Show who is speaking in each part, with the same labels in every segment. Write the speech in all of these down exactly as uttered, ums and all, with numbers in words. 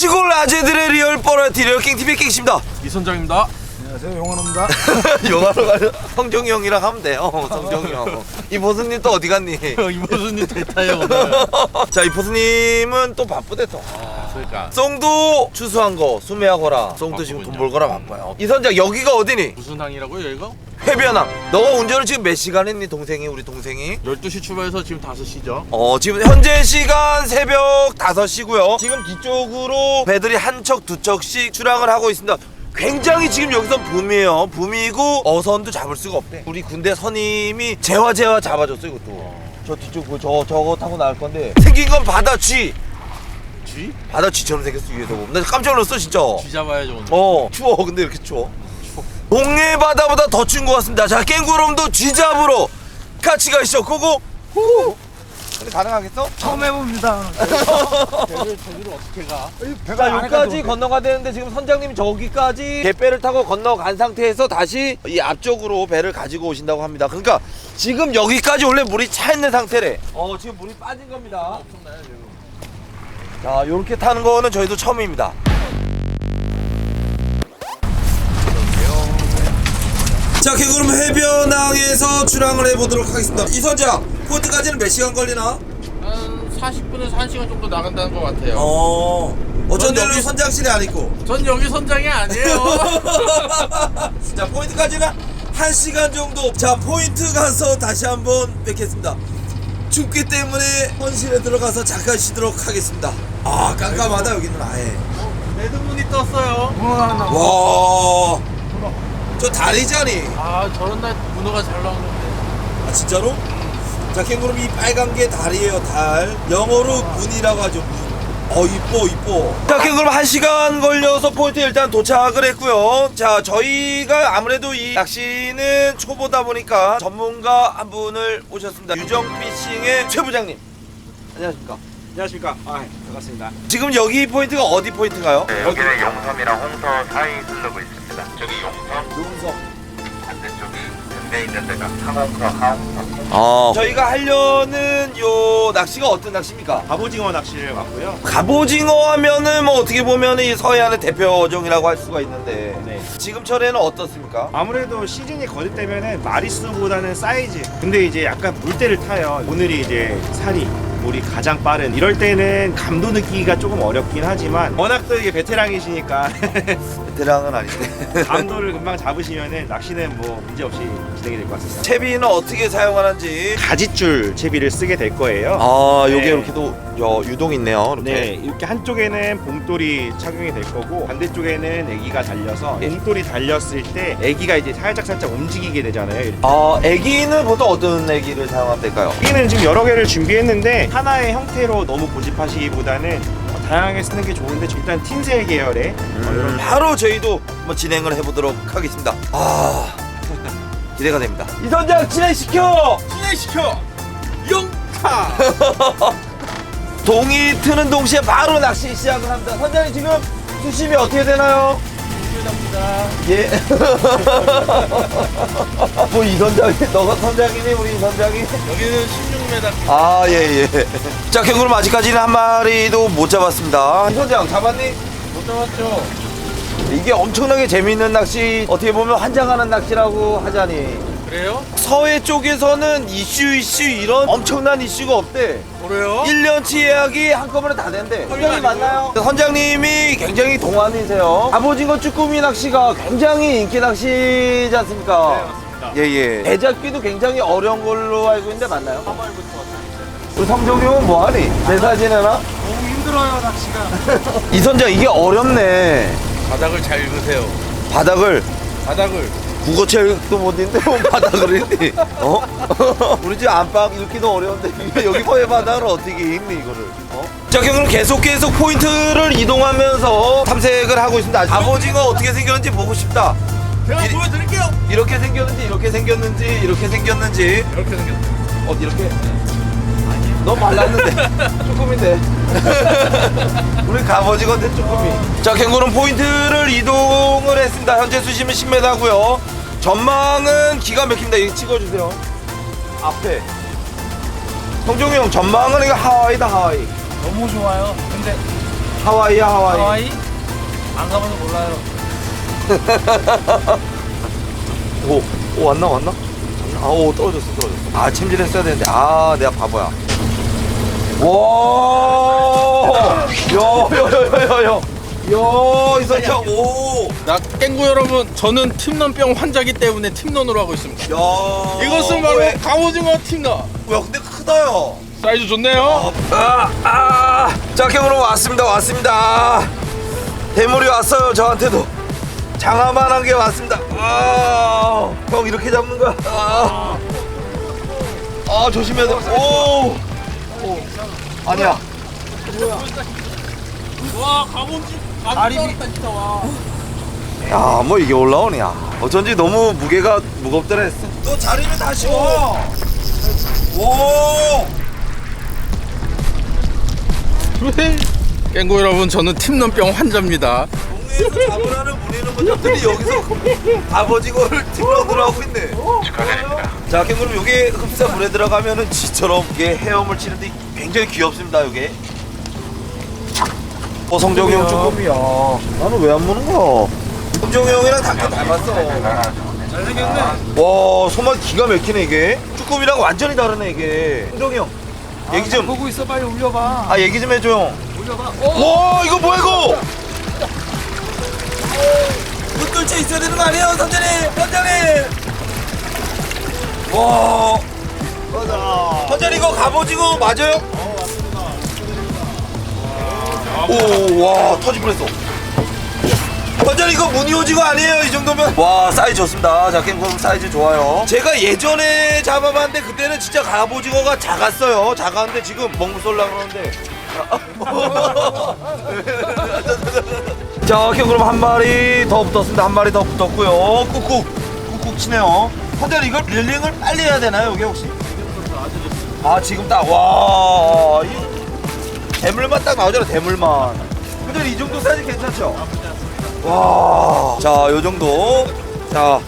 Speaker 1: 시골 아재들의 리얼 뻘라티 리얼 깽티비의 깽씨입니다.
Speaker 2: 이선장입니다.
Speaker 3: 안녕하세요, 용환호입니다.
Speaker 1: 영화로 가요. 성종이 형이랑 하면 돼요. 성종이 형. 이보스님 또 어디 갔니?
Speaker 2: 이보수님 대타요 오늘.
Speaker 1: 자, 이보스님은 또 바쁘대 또.
Speaker 2: 아, 그러니까
Speaker 1: 송도 추수한 거 수매하거라. 송도 지금 돈 벌거라 바빠요. 이선장 여기가 어디니?
Speaker 2: 무슨 항이라고요 여기가?
Speaker 1: 해변항. 너가 운전을 지금 몇 시간 했니 동생이 우리 동생이?
Speaker 2: 열두 시 출발해서 지금 다섯 시죠.
Speaker 1: 어 지금 현재 시간 새벽 다섯 시고요. 지금 뒤쪽으로 배들이 한 척 두 척씩 출항을 하고 있습니다. 굉장히 지금 여기선 붐이에요. 붐이고 어선도 잡을 수가 없대. 우리 군대 선임이 재화재화 잡아줬어 이것도. 저 뒤쪽 그 저 저거 타고 나갈 건데 생긴 건 바다 쥐.
Speaker 2: 쥐?
Speaker 1: 바다 쥐처럼 생겼어 위에서 보면. 나 깜짝 놀랐어 진짜.
Speaker 2: 쥐 잡아야죠 오늘.
Speaker 1: 어 추워. 근데 이렇게 추워. 동해 바다보다 더 추운 것 같습니다. 자, 깽구름도 쥐 잡으러 같이 가시죠. 고고. 후. 근데 가능하겠어?
Speaker 3: 처음 해봅니다.
Speaker 2: 배를 저기로 어떻게 가?
Speaker 1: 자, 여기까지 건너가야 되는데 지금 선장님이 저기까지 갯배를 타고 건너간 상태에서 다시 이 앞쪽으로 배를 가지고 오신다고 합니다. 그러니까 지금 여기까지 원래 물이 차 있는 상태래. 어, 지금 물이 빠진 겁니다.
Speaker 2: 엄청나요 지금.
Speaker 1: 자, 요렇게 타는 거는 저희도 처음입니다. 자, 개구름 해변항에서 출항을 해보도록 하겠습니다. 이선장, 포트까지는 몇 시간 걸리나?
Speaker 2: 한 사십 분에서 한 시간 정도 나간다는 것 같아요.
Speaker 1: 어, 어쩐
Speaker 2: 전
Speaker 1: 데로
Speaker 2: 여기-
Speaker 1: 선장실이 아니고.
Speaker 2: 전 여기 선장이 아니에요.
Speaker 1: 자, 포인트까지는 한 시간 정도. 자, 포인트 가서 다시 한번 뵙겠습니다. 춥기 때문에 헌실에 들어가서 잠깐 쉬도록 하겠습니다. 아, 깜깜하다 여기는 아예.
Speaker 2: 매듭문이 떴어요.
Speaker 1: 와, 저 다리잖니.
Speaker 2: 아 저런 날 문어가 잘 나오는데.
Speaker 1: 아, 진짜로? 자, 캥거룸 이 빨간 게 달이에요, 달. 영어로 문이라고 하죠, 문. 어, 이뻐, 이뻐. 자, 캥거룸 한 시간 걸려서 포인트에 일단 도착을 했고요. 자, 저희가 아무래도 이 낚시는 초보다 보니까 전문가 한 분을 모셨습니다. 유정피싱의 최 부장님. 안녕하십니까?
Speaker 3: 안녕하십니까. 아, 반갑습니다.
Speaker 1: 지금 여기 포인트가 어디 포인트인가요?
Speaker 4: 네, 여기는 용섬이랑 홍서 사이 흐르고 있습니다. 저기 용섬,
Speaker 1: 용섬.
Speaker 4: 반대쪽이 근대 있는 데가 상홍서, 하홍서.
Speaker 1: 아, 저희가 하려는 요 낚시가 어떤 낚시입니까?
Speaker 3: 갑오징어 낚시를 왔고요.
Speaker 1: 갑오징어 하면은 뭐 어떻게 보면 이 서해안의 대표종이라고 할 수가 있는데
Speaker 3: 네.
Speaker 1: 지금철에는 어떻습니까?
Speaker 3: 아무래도 시즌이 거듭되면은 마리수보다는 사이즈. 근데 이제 약간 물때를 타요. 오늘이 이제 살이 물이 가장 빠른. 이럴 때는 감도 느끼기가 조금 어렵긴 하지만 워낙 또 이게 베테랑이시니까
Speaker 1: 베테랑은 아닌데.
Speaker 3: 감도를 금방 잡으시면은 낚시는 뭐 문제 없이 진행이 될 것 같습니다.
Speaker 1: 채비는 어떻게 사용하는지.
Speaker 3: 가지줄 채비를 쓰게 될 거예요.
Speaker 1: 아, 요게
Speaker 3: 네.
Speaker 1: 이렇게도 여, 유동 있네요. 이렇게.
Speaker 3: 네, 이렇게 한쪽에는 봉돌이 착용이 될 거고 반대쪽에는 애기가 달려서 봉돌이 달렸을 때 애기가 이제 살짝 살짝 움직이게 되잖아요. 이렇게.
Speaker 1: 아, 애기는 보통 어떤 애기를 사용하면 될까요?
Speaker 3: 애기는 지금 여러 개를 준비했는데 하나의 형태로 너무 고집하시기보다는 어, 다양하게 쓰는 게 좋은데 일단 틴셀 계열의 어, 이런
Speaker 1: 바로 저희도 한번 진행을 해보도록 하겠습니다. 아, 기대가 됩니다. 이선장 진행시켜!
Speaker 2: 진행시켜. 영타.
Speaker 1: 동이 트는 동시에 바로 낚시 시작을 합니다. 선장님 지금 수심이 어떻게 되나요?
Speaker 2: 합니다.
Speaker 1: 예. 뭐 이 선장이, 너가 선장이니 우리 이 선장이?
Speaker 2: 여기는 십육 미터.
Speaker 1: 아, 예, 예. 자, 캥거룸 아직까지는 한 마리도 못 잡았습니다. 이 선장 잡았니?
Speaker 2: 못 잡았죠.
Speaker 1: 이게 엄청나게 재밌는 낚시, 어떻게 보면 환장하는 낚시라고 하자니.
Speaker 2: 그래요?
Speaker 1: 서해 쪽에서는 이슈 이슈 이런 엄청난 이슈가 없대.
Speaker 2: 그래요?
Speaker 1: 일 년치 예약이 한꺼번에 다 된대. 선장님 맞나요? 선장님이 굉장히 동안이세요. 갑오징어 쭈꾸미 낚시가 굉장히 인기 낚시지 않습니까?
Speaker 3: 네, 맞습니다.
Speaker 1: 예예. 배 잡기도 굉장히 어려운 걸로 알고 있는데 맞나요? 우리 성종이 형은 뭐하니? 내 사진에나?
Speaker 2: 너무 힘들어요 낚시가.
Speaker 1: 이 선장 이게 어렵네.
Speaker 2: 바닥을 잘 읽으세요.
Speaker 1: 바닥을
Speaker 2: 바닥을.
Speaker 1: 국어책도 못 읽는데 뭐 바닥을 읽니? 어? 우리 집 안방 읽기도 어려운데 여기 서해 바닥을 어떻게 읽니 이거를? 어? 자, 그럼 계속 계속 포인트를 이동하면서 탐색을 하고 있습니다. 갑오징어 어떻게 생겼는지 보고 싶다.
Speaker 2: 제가
Speaker 1: 이-
Speaker 2: 보여드릴게요.
Speaker 1: 이렇게 생겼는지 이렇게 생겼는지 이렇게 생겼는지.
Speaker 2: 이렇게 생겼어요.
Speaker 1: 어, 이렇게? 너무 말랐는데 쭈꾸미인데. 우리 갑오징어인데 쭈꾸미. 자, 캥거룸 포인트를 이동을 했습니다. 현재 수심은 십 미터고요 전망은 기가 막힙니다. 이거 찍어주세요. 앞에 성종이 형 전망은 이거 하와이다 하와이.
Speaker 5: 너무 좋아요. 근데
Speaker 1: 하와이야 하와이.
Speaker 2: 하와이? 안 가봐서 몰라요.
Speaker 1: 오, 오 왔나 왔나? 아오 떨어졌어 떨어졌어. 아 챔질했어야 되는데 아 내가 바보야. 와, 야야야야야, 야 이선창 오.
Speaker 2: 나 깽구 여러분, 저는 팀런병 환자기 때문에 팀런으로 하고 있습니다.
Speaker 1: 야
Speaker 2: 이것은 바로
Speaker 1: 왜?
Speaker 2: 갑오징어 팀런.
Speaker 1: 야 근데 크다야.
Speaker 2: 사이즈 좋네요.
Speaker 1: 아, 아, 자, 캠으로 왔습니다, 왔습니다. 대물이 왔어요, 저한테도. 장화만한 게 왔습니다. 아, 형 이렇게 잡는 거야. 아, 아 조심해야 돼. 오, 오. 아니야.
Speaker 2: 와, 갑오징어. 다리 진짜 와.
Speaker 1: 야, 뭐 이게 올라오냐. 어쩐지 너무 무게가 무겁더라 했어. 너 자리를 다시 와. 오.
Speaker 2: 깽구 여러분, 저는 팀런병 환자입니다.
Speaker 1: 동네에서 잡으라는 물리는 분들이 여기서 갑오징어를 팀런으로 하고 있네.
Speaker 4: 축하드립니다.
Speaker 1: 자, 그럼 요게 흡사 물에 들어가면은 지처럼 이게 헤엄을 치는데 굉장히 귀엽습니다, 요게. 어, 성정이 형 쭈꾸미야. 나는 왜 안 무는 거야? 성정이 형이랑 닭게 닮았어.
Speaker 2: 잘생겼네.
Speaker 1: 와, 손맛 기가 막히네, 이게. 쭈꾸미랑 완전히 다르네, 이게. 성정이 형. 얘기 좀.
Speaker 2: 보고 있어, 빨리 올려봐.
Speaker 1: 아, 얘기 좀 해줘, 형.
Speaker 2: 올려봐.
Speaker 1: 와, 이거 뭐야, 이거? 물돌체 있어야 되는 거 아니에요, 선장님? 선장님! 와. 맞아. 선장님, 이거 갑오징어 맞아요? 어, 맞습니다. 오, 와, 터질 뻔했어. 선장님, 이거 무늬오징어 아니에요, 이 정도면? 와, 사이즈 좋습니다. 자, 깽콩 사이즈 좋아요. 제가 예전에 잡아봤는데, 그때는 진짜 갑오징어가 작았어요. 작았는데, 지금 먹물 쏠라 그러는데. 자, 오케이, 그럼 한 마리 더 붙었습니다. 한 마리 더 붙었고요. 꾹꾹 꾹꾹 치네요. 선생님, 이걸 릴링을 빨리 해야 되나요, 여기 혹시? 아, 지금 딱, 와, 이 대물만 딱 나오잖아, 대물만. 근데 이 정도 사이즈 괜찮죠? 와, 자, 요 정도. 자.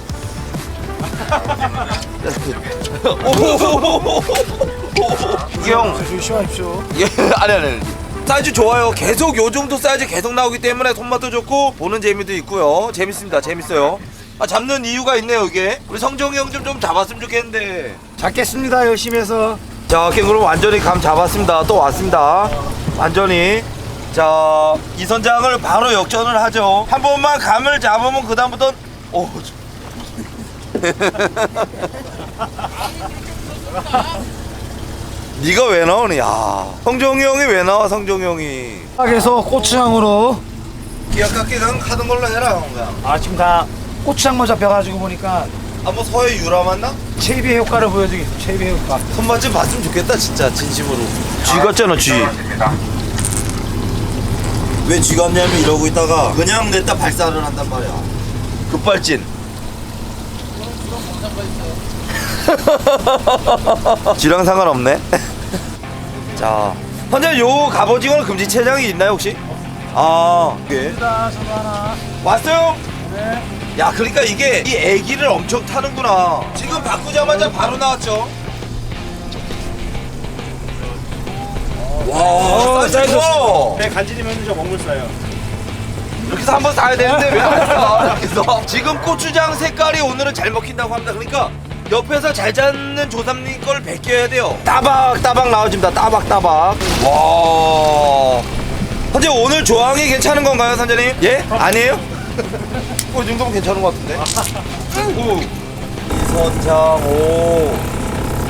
Speaker 1: 이게 형
Speaker 2: 조심하십시오.
Speaker 1: 예, 아니 아니 사이즈 좋아요. 계속 요 정도 사이즈 계속 나오기 때문에 손맛도 좋고 보는 재미도 있고요. 재밌습니다. 재밌어요. 아, 잡는 이유가 있네요, 이게. 우리 성정이 형 좀 좀 잡았으면 좋겠는데.
Speaker 2: 잡겠습니다, 열심히 해서.
Speaker 1: 자, 오케이, 그럼 완전히 감 잡았습니다. 또 왔습니다. 완전히. 자, 이 선장을 바로 역전을 하죠. 한 번만 감을 잡으면 그 다음부터 오. 네가 왜 나오니? 야, 성종이 형이 왜 나와? 성종이 형이.
Speaker 2: 그래서 고추장으로.
Speaker 1: 기억깎기 하던 걸로 해라, 형가.
Speaker 2: 아, 지금 다 고추장만 잡혀가지고 보니까
Speaker 1: 아, 뭐 서해 유라 맞나?
Speaker 2: 체비의 효과를 보여주겠어. 체비의 효과.
Speaker 1: 손맛 좀 봤으면 좋겠다, 진짜 진심으로. 쥐 같잖아, 쥐.
Speaker 4: 떨어집니다.
Speaker 1: 왜 쥐 같냐면 이러고 있다가 그냥 냈다 발사를 한단 말이야. 급발진. 쥐랑 상관없네. 자, 현재 요 갑오징어는 금지 체장이 있나요 혹시? 아, 예.
Speaker 2: 저도 하나.
Speaker 1: 왔어요?
Speaker 2: 네.
Speaker 1: 야, 그러니까 이게 이 애기를 엄청 타는구나. 지금 바꾸자마자 바로 나왔죠. 와, 사이즈 좋아.
Speaker 3: 배 간지리면 저 먹물 싸요.
Speaker 1: 이렇게 해서 한번 사야 되는데 왜 안 사? 이렇게 해서 지금 고추장 색깔이 오늘은 잘 먹힌다고 합니다. 그러니까 옆에서 잘 잡는 조삼님 걸 베껴야 돼요. 따박 따박 나와줍니다. 따박 따박. 와. 선재 오늘 조항이 괜찮은 건가요, 선재님? 예? 아니에요? 어, 이 정도면 괜찮은 것 같은데. 오. 이선장 오.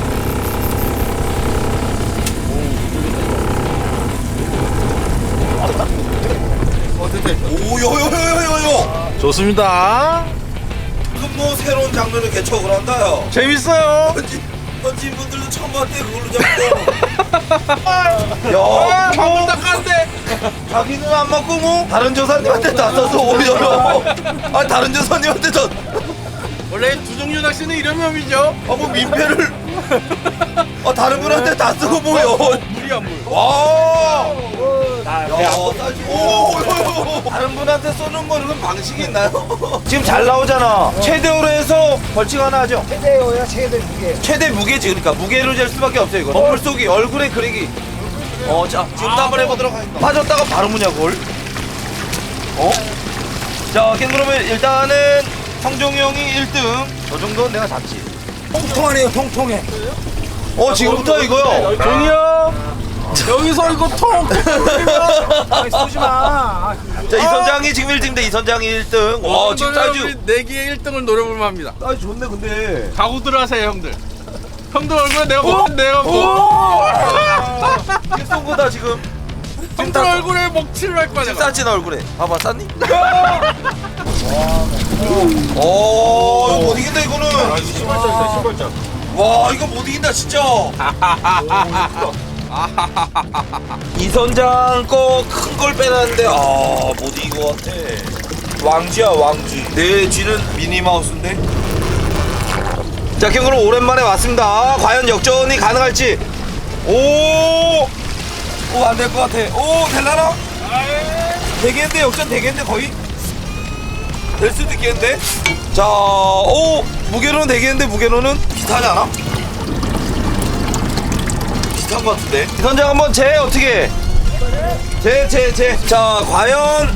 Speaker 1: 오요요요요요.
Speaker 2: 좋습니다.
Speaker 1: 그럼 뭐 새로운 장르를 개척을 한다요.
Speaker 2: 재밌어요.
Speaker 1: 현지 현지인 분들도 처음 봤대 그걸로 잡고. 야,
Speaker 2: 방금 닦았는데.
Speaker 1: 자기는 안 맞고 뭐 다른 조사님한테 다 써서 오히려. 아, 다른 조사님한테 저.
Speaker 2: 원래 두 종류 낚시는 이런 놈이죠.
Speaker 1: 아, 뭐 민폐를. 아, 다른 분한테 다 쓰고 뭐요.
Speaker 2: 물이야 물.
Speaker 1: 와.
Speaker 3: 아,
Speaker 1: 야, 사이즈. 오, 다른 분한테 쏘는 거는 그럼 방식이 있나요? 지금 잘 나오잖아. 최대로 해서 벌칙 하나 하죠.
Speaker 2: 최대요야 최대 무게.
Speaker 1: 최대 무게지. 그러니까 무게로 잴 수밖에 없어요. 이거 먹물 쏘기, 얼굴에 그리기. 어, 자, 지금부터 한번 해보도록 하겠습니다. 빠졌다가 바로 무냐, 골. 어? 자, 캥거루면 일단은 성종이 형이 일 등. 저 정도는 내가 잡지.
Speaker 5: 통통하네요, 통통해.
Speaker 1: 어, 지금부터 이거요.
Speaker 2: 종이 형 여기서 이거 통
Speaker 5: 아이, 쏘지 마.
Speaker 1: 자, 이 선장이 지금 일 등인데 이 선장이 일 등. 와, 지금 사이즈.
Speaker 2: 내기의 일 등을 노려볼 만합니다.
Speaker 1: 사이즈 좋네, 근데.
Speaker 2: 각오들 하세요 형들. 형들 얼굴에 내가 뭐 내가 뭐
Speaker 1: 이게 쏜 거다, 지금.
Speaker 2: 형들 얼굴에 먹칠을 할 거야 내가.
Speaker 1: 쌌지, 나 얼굴에. 봐봐, 쌌니? 오, 이거 못 이긴다, 이거는.
Speaker 3: 신발장 신발장.
Speaker 1: 와, 이거 못 이긴다, 진짜. 이 선장 거 큰 걸 빼놨는데 아, 못 이긴 것 같아. 왕쥐야, 왕쥐. 내 쥐는 미니마우스인데. 자, 캥거루 오랜만에 왔습니다. 과연 역전이 가능할지. 오, 오, 안 될 것 같아. 오, 될라나? 되겠는데, 역전 되겠는데, 거의? 될 수도 있겠는데? 자, 오, 무게로는 되겠는데, 무게로는 비슷하지 않아? 비슷한 것 같은데? 이 선장 한번 재, 어떻게? 재, 재, 재. 자, 과연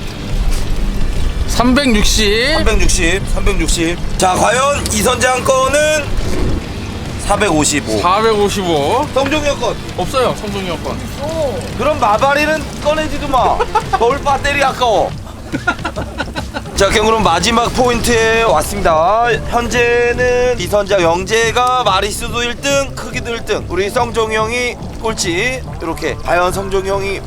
Speaker 2: 삼백육십.
Speaker 1: 삼백육십, 삼백육십. 자, 과연 이 선장 거는 사백오십오.
Speaker 2: 사백오십오.
Speaker 1: 성종이 형 건.
Speaker 2: 없어요 성종이 형 건.
Speaker 1: 그럼 마바리는 꺼내지도 마. 겨울 배터리 아까워. 자, 그럼 마지막 포인트에 왔습니다. 현재는 이선장 영재가 마리수도 일 등, 크기도 일 등. 우리 성종이 형이 꼴찌. 이렇게. 과연 성종이 형이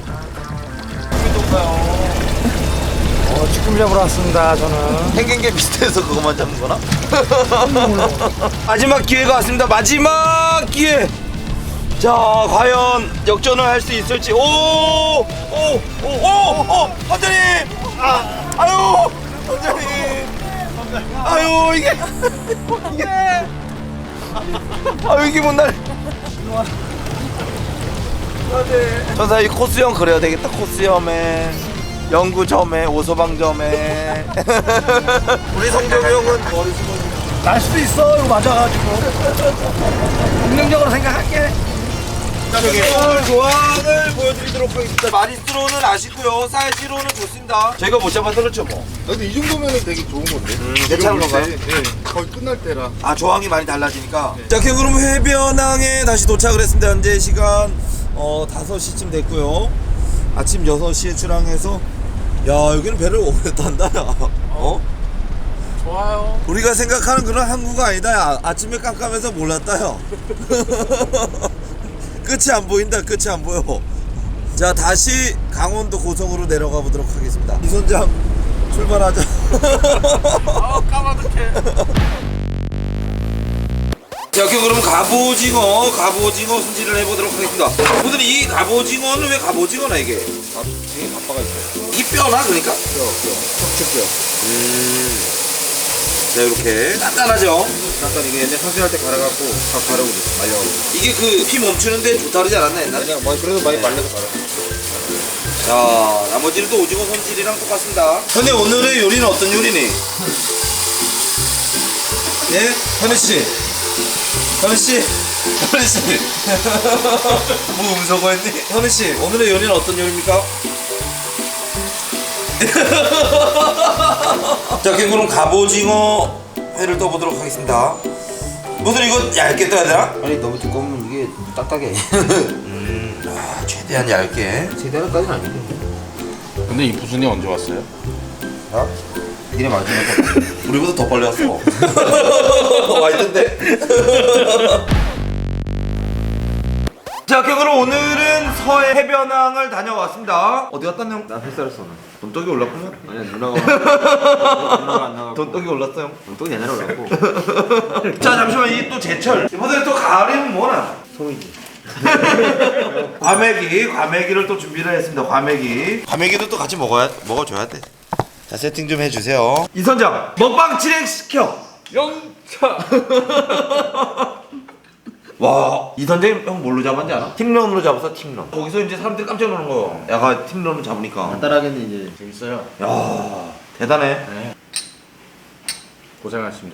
Speaker 5: 어, 쭈꾸미 잡으러 왔습니다, 저는.
Speaker 1: 생긴 게 비슷해서 그것만 잡는 거나? 마지막 기회가 왔습니다. 마지막 기회. 자, 과연 역전을 할 수 있을지. 오, 오, 오, 오, 오, 선장님. 아, 아유, 선장님. 아유, 이게 이게. 아유, 이게 뭔 날. 전사 이 코스염 그래야 되겠다. 코스염에 연구점에 오소방점에. 우리 성종이 형은 머리 숨어.
Speaker 5: 날 수도 있어, 이거 맞아가지고. 긍정적으로 생각할게.
Speaker 1: 오늘 조항을 보여드리도록 하겠습니다. 마리수로는 아쉽고요, 사이즈로는 좋습니다. 저희가 못 잡아서 그렇죠 뭐.
Speaker 6: 근데 이 정도면은 되게 좋은 건데.
Speaker 1: 괜찮은 건가요?
Speaker 6: 네, 거의 끝날 때라.
Speaker 1: 아, 조항이 많이 달라지니까. 자, 그럼 해변항에 다시 도착을 했습니다. 현재 시간 어, 다섯 시쯤 됐고요. 아침 여섯 시에 출항해서, 야, 여기는 배를 오래 탄다. 야. 어?
Speaker 2: 좋아요.
Speaker 1: 우리가 생각하는 그런 항구가 아니다. 야. 아침에 깜깜해서 몰랐다. 야. 끝이 안 보인다. 끝이 안 보여. 자, 다시 강원도 고성으로 내려가 보도록 하겠습니다. 이선장 출발하자.
Speaker 2: 아 까마득해.
Speaker 1: 자, 그럼 갑오징어, 갑오징어 손질을 해보도록 하겠습니다. 오늘 이 갑오징어는 왜 갑오징어나 이게?
Speaker 6: 되게 가빠가 있어요.
Speaker 1: 이 뼈나 그러니까?
Speaker 6: 뼈, 뼈. 척추뼈.
Speaker 1: 음. 자, 이렇게 단단하죠?
Speaker 6: 잠깐 이게 옛날 선수할 때 갈아갖고 다 가르고 있어. 말려가지고.
Speaker 1: 이게 그 피 멈추는데 좋다 그러지 않았나 옛날에?
Speaker 6: 그냥 뭐 그래도 많이 말려서 갈아.
Speaker 1: 자, 나머지는 또 오징어 손질이랑 똑같습니다. 현우 오늘의 요리는 어떤 요리니? 예? 현우씨. 현우씨. 현우씨. 뭐 음소거 했니? 현우씨, 오늘의 요리는 어떤 요리입니까? 자, 그럼 갑오징어 회를 떠보도록 하겠습니다. 무슨 이거 얇게 떠야 되나?
Speaker 6: 아니 너무 두꺼우면 이게 딱딱해.
Speaker 1: 음, 아, 최대한 얇게.
Speaker 6: 제대로까지는 아닌데.
Speaker 2: 근데 이 부순이 언제 왔어요?
Speaker 6: 나? 니네 마지막에.
Speaker 1: 우리보다 더 빨리 왔어. 와 있던데. 자, 그럼 오늘은 서해 해변항을 다녀왔습니다. 어디 갔다 형?
Speaker 6: 나 햇살을 쏘나.
Speaker 1: 돈떡이 올랐구나.
Speaker 6: 아니야 누나가. 누나가 안 나가고.
Speaker 1: 돈떡이 올랐어 형.
Speaker 6: 또 옛날에 올랐고.
Speaker 1: 자, 잠시만, 이게 또 제철. 이번에 또 가을이면 뭐나?
Speaker 6: 소이지.
Speaker 1: 과메기, 과메기를 또 준비를 했습니다. 과메기. 과메기도 또 같이 먹어야 먹어줘야 돼. 자, 세팅 좀 해주세요. 이 선장 먹방 진행시켜.
Speaker 2: 영차.
Speaker 1: 와, 이 선장님 형 뭘로 잡았는지 알아? 팀런으로 잡았어, 팀런. 거기서 이제 사람들이 깜짝 놀란 거예요. 야가 팀런을 잡으니까.
Speaker 6: 간단하겠네 이제.
Speaker 2: 재밌어요.
Speaker 1: 야, 대단해.
Speaker 2: 네. 고생하셨습니다.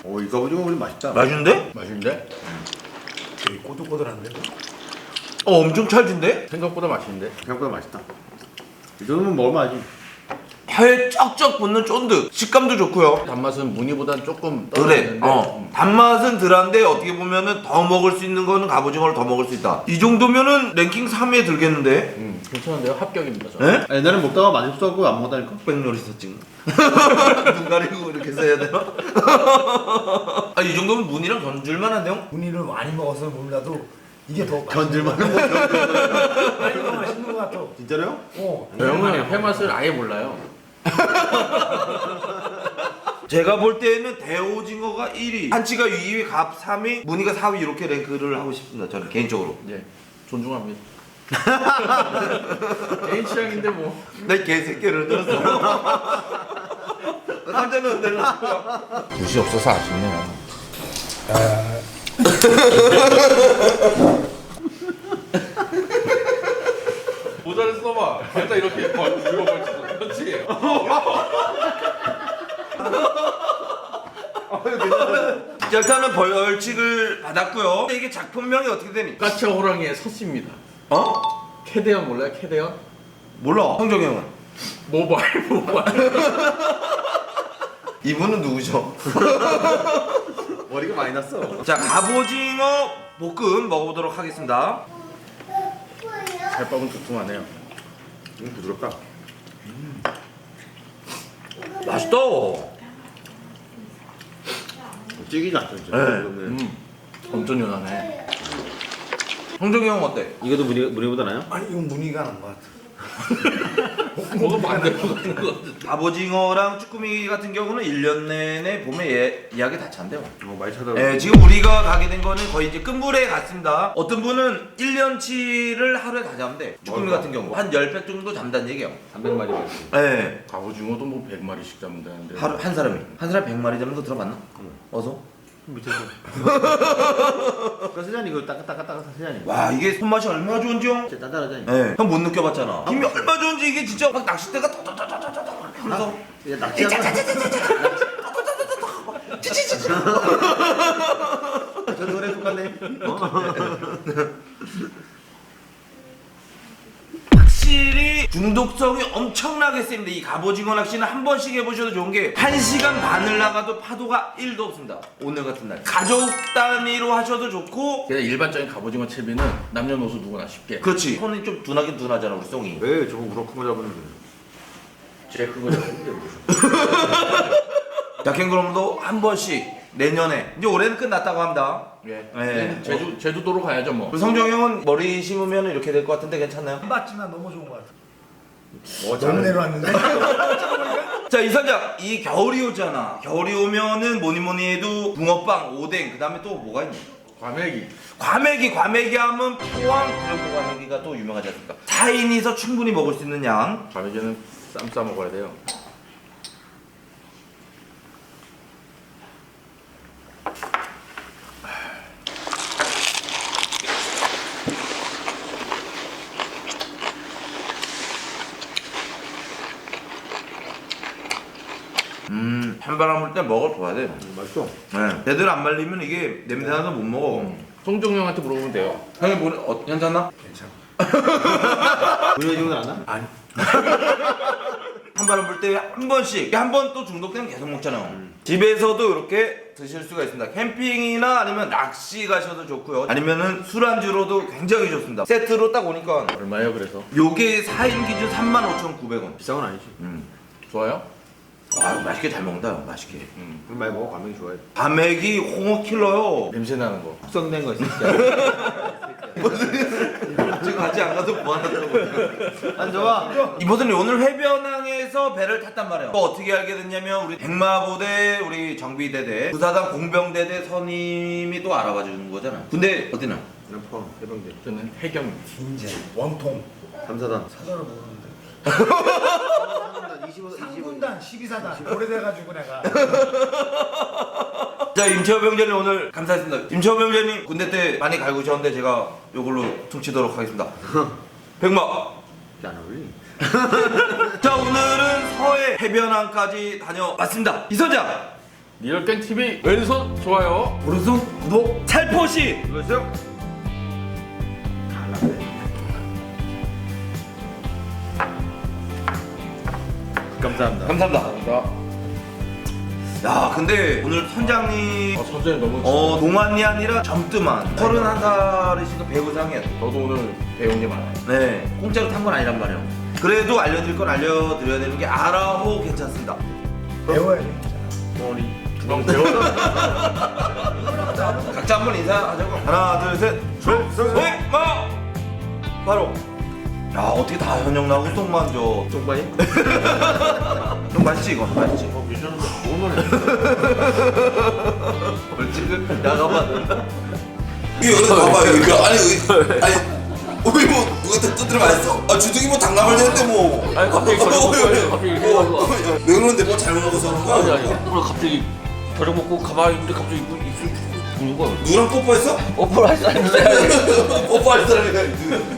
Speaker 6: 오, 이 갑오징어 우리 맛있다.
Speaker 1: 맛있는데?
Speaker 2: 맛있는데?
Speaker 5: 되게 꼬들꼬들한데.
Speaker 1: 어 엄청 찰진데?
Speaker 2: 생각보다 맛있는데?
Speaker 6: 생각보다 맛있다. 이 정도면 먹을만하지.
Speaker 1: 혀에 쩍쩍 붙는 쫀득 식감도 좋고요.
Speaker 2: 단맛은 무늬보단 조금
Speaker 1: 그래.
Speaker 2: 떨어지는데
Speaker 1: 어. 단맛은 덜한데 어떻게 보면은 더 먹을 수 있는 거는 갑오징어를 더 먹을 수 있다. 이 정도면은 랭킹 삼 위에 들겠는데?
Speaker 2: 음, 괜찮은데요? 합격입니다. 저는.
Speaker 1: 에?
Speaker 6: 옛날에 먹다가 맛있어갖고 안 먹다니까.
Speaker 1: 흑백놀이 썼지. 눈 가리고 이렇게 써야 되나? 아, 이 정도면 무늬랑 견줄만 한데요?
Speaker 5: 무늬를 많이 먹어서 몰라도 이게 더
Speaker 6: 견딜만한 거.
Speaker 5: 많이 더 맛있는 것 같아.
Speaker 6: 진짜로요?
Speaker 5: 어.
Speaker 2: 저 형은 회 맛을 아예 몰라요.
Speaker 1: 제가 볼 때는 대오징어가 일 위, 한치가 이 위, 갑 삼 위, 무늬가 사 위 이렇게 랭크를 하고 싶습니다. 저는 개인적으로.
Speaker 2: 예, 존중합니다. 개인 취향인데 뭐.
Speaker 1: 내 개새끼를 들었어. 깜짝 놀랐어.
Speaker 2: 붓이 없어서 아쉽네요. 모자를 써봐. 살짝 이렇게 벌, 이거 벌쳐. 그렇지.
Speaker 1: 자, 일단은 벌칙을 받았고요. 근데 이게 작품명이 어떻게 되니?
Speaker 2: 까치와 호랑이의 서씨입니다.
Speaker 1: 어?
Speaker 2: 캐대언 몰라요? 캐대언?
Speaker 1: 몰라. 성정이 형은.
Speaker 2: 모바일 모바일.
Speaker 1: 이분은 누구죠?
Speaker 6: 머리가 많이 났어.
Speaker 1: 자, 갑오징어 볶음 먹어보도록 하겠습니다.
Speaker 2: 살밥은 두툼하네요.
Speaker 6: 음, 부드럽다.
Speaker 1: 맛있다.
Speaker 6: 찌기지 않죠, 진짜.
Speaker 1: 네.
Speaker 2: 음, 엄청 연하네.
Speaker 1: 성정이 형 어때?
Speaker 6: 이것도 무늬, 무늬보다 나요?
Speaker 5: 아니 이건 무늬가 난 것 같아.
Speaker 2: 뭐가 반대로 가는 거 같아.
Speaker 1: 갑오징어랑 쭈꾸미 같은 경우는 일 년 내내 봄에 예, 예약이 다 찬대요.
Speaker 6: 어, 많이 찾아오고.
Speaker 1: 예, 지금 우리가 가게 된 거는 거의 이제 끝물에 갔습니다. 어떤 분은 일 년치를 하루에 다 잡는데 쭈꾸미 같은 경우 한 십 팩 정도 잡는다는 얘기예요.
Speaker 6: 삼백 마리 맛있어.
Speaker 1: 예.
Speaker 2: 갑오징어도 뭐 백 마리씩 잡는다는데.
Speaker 1: 하루 한 사람이 한 사람이 백 마리 잡는 거 들어봤나? 어서?
Speaker 6: 밑에서. 그 사장님 이거 따끈따끈따끈 사장님.
Speaker 1: 와, 이게 손맛이 얼마나 좋은지 형?
Speaker 6: 진짜 단단하잖아요.
Speaker 1: 예. 형 못 느껴봤잖아. 힘이 얼마나 좋은지 이게 진짜 막 낚싯대가 톡톡톡톡톡 그래서
Speaker 6: 이제 낚시하는 저 노래 똑같네.
Speaker 1: 확실히 중독성이 엄청나게 셉니다. 이 갑오징어 낚시는 한 번씩 해보셔도 좋은 게 한 시간 반을 나가도 파도가 일도 없습니다. 오늘 같은 날 가족 단위로 하셔도 좋고.
Speaker 2: 그냥 일반적인 갑오징어 채비는 남녀노소 누구나 쉽게.
Speaker 1: 그렇지. 손이 좀 둔하긴 둔하잖아 우리 송이.
Speaker 6: 왜 저거 우럭 큰거 잡으면 돼?
Speaker 2: 제가 그거 잡는데
Speaker 1: 자, 캥거루도 한 번씩 내년에 이제 올해는 끝났다고 합니다.
Speaker 2: 예.
Speaker 1: 예.
Speaker 2: 제주 제주도로 가야죠 뭐.
Speaker 1: 우리 성정 형은 머리 심으면 이렇게 될 것 같은데 괜찮나요?
Speaker 5: 안 봤지만 너무 좋은 것 같아.
Speaker 6: 어,
Speaker 5: 너무 내려왔는데.
Speaker 1: 자, 이선장, 이 겨울이 오잖아. 겨울이 오면은 뭐니 뭐니 해도 붕어빵, 오뎅, 그 다음에 또 뭐가 있니?
Speaker 2: 과메기.
Speaker 1: 과메기, 과메기 하면 포항 부려고 과메기가 또 유명하지 않습니까? 사 인이서 충분히 먹을 수 있는 양.
Speaker 2: 과메기는 쌈 싸 먹어야 돼요.
Speaker 1: 음, 찬바람 불 때 먹어줘야 돼.
Speaker 6: 음, 맛있어.
Speaker 1: 네. 제대로 안 말리면 이게 냄새 나서 못 먹어.
Speaker 2: 송종 형한테 물어보면 돼요.
Speaker 1: 형이 뭐, 어, 괜찮나?
Speaker 5: 괜찮아.
Speaker 6: 무늬 정도 안 나?
Speaker 5: 아니.
Speaker 1: 찬바람 불 때 한 번씩, 한 번 또 중독되면 계속 먹잖아요. 집에서도 이렇게 드실 수가 있습니다. 캠핑이나 아니면 낚시 가셔도 좋고요. 아니면은 술안주로도 굉장히 좋습니다. 세트로 딱 오니까
Speaker 2: 얼마예요 그래서?
Speaker 1: 요게 사 인 기준 삼만 오천구백 원.
Speaker 6: 비싼 건 아니지.
Speaker 1: 음.
Speaker 2: 좋아요?
Speaker 1: 아, 맛있게 잘 먹는다. 맛있게.
Speaker 2: 음.
Speaker 6: 그럼 많이 먹어. 과메기 좋아해.
Speaker 1: 과메기 홍어 킬러요.
Speaker 2: 냄새 나는 거.
Speaker 6: 숙성된 거 있어.
Speaker 1: 지금 같이 안 가서 뭐 하냐고.
Speaker 6: 안 좋아.
Speaker 1: 이번에 오늘 해변항에서 배를 탔단 말이에요. 또 어떻게 알게 됐냐면 우리 백마부대, 우리 정비대대, 부사단 공병대대 선임이 또 알아봐 주는 거잖아. 근데 어디나?
Speaker 6: 그냥 포함 해병대.
Speaker 2: 저는 해경.
Speaker 5: 인제 원통
Speaker 6: 삼사단.
Speaker 5: 사단을 모르는데.
Speaker 6: 이십오, 이십오.
Speaker 5: 삼군단 십이 사단 오래돼가지고 내가.
Speaker 1: 자, 임채호 병장님 오늘 감사했습니다. 임채호 병장님 군대 때 많이 갈구셨는데 제가 요걸로 퉁치도록 하겠습니다. 백마.
Speaker 6: 안 어울리.
Speaker 1: 자, 오늘은 서해 해변항까지 다녀왔습니다. 이선장,
Speaker 2: 리얼갱 티비 왼손 좋아요.
Speaker 1: 오른손 구독 살포시
Speaker 3: 눌러주세요.
Speaker 2: 감사합니다.
Speaker 1: 감사합니다.
Speaker 2: 감사합니다.
Speaker 1: 야 근데 오늘 선장님
Speaker 2: 아, 선생님 너무
Speaker 1: 어 동안이 아니라 젊드만 서른한 살이시니까 배우상이야.
Speaker 2: 저도 오늘 배운 게 많아요.
Speaker 1: 네 공짜로 탄 건 아니란 말이에요. 그래도 알려드릴 건 알려드려야 되는 게 아라호 괜찮습니다.
Speaker 5: 배워야 돼.
Speaker 2: 머리 주방 배워.
Speaker 1: 각자 한번 인사하자고. 하나 둘셋 셋 마 바로. 야 어떻게 다 현역 나고 똥만 줘.
Speaker 2: 똥바이?
Speaker 1: 좀 맛있지 이거 맛있지.
Speaker 2: 어 미션은 오늘.
Speaker 1: 벌칙은 야가만.
Speaker 7: 이거 여기 봐봐요. 이거 아니 의- 아니 우리 뭐 누가 뜯들어 맛있어? 아 주둥이 뭐 당나물 되는데 뭐.
Speaker 2: 아니 갑자기 저녁 먹고 갑자기 이렇게
Speaker 7: 뭐,
Speaker 2: 먹어.
Speaker 7: 왜 그러는데 뭐 잘못 먹어서 그런
Speaker 2: 아니
Speaker 7: 거야?
Speaker 2: 아니 오늘 갑자기 저녁 먹고 가만히 있는데 갑자기 입술 부는 거야.
Speaker 7: 누구랑 뽀뽀했어?
Speaker 2: 뽀뽀를 할 사람이 있어야 돼.
Speaker 7: 뽀뽀할 사람이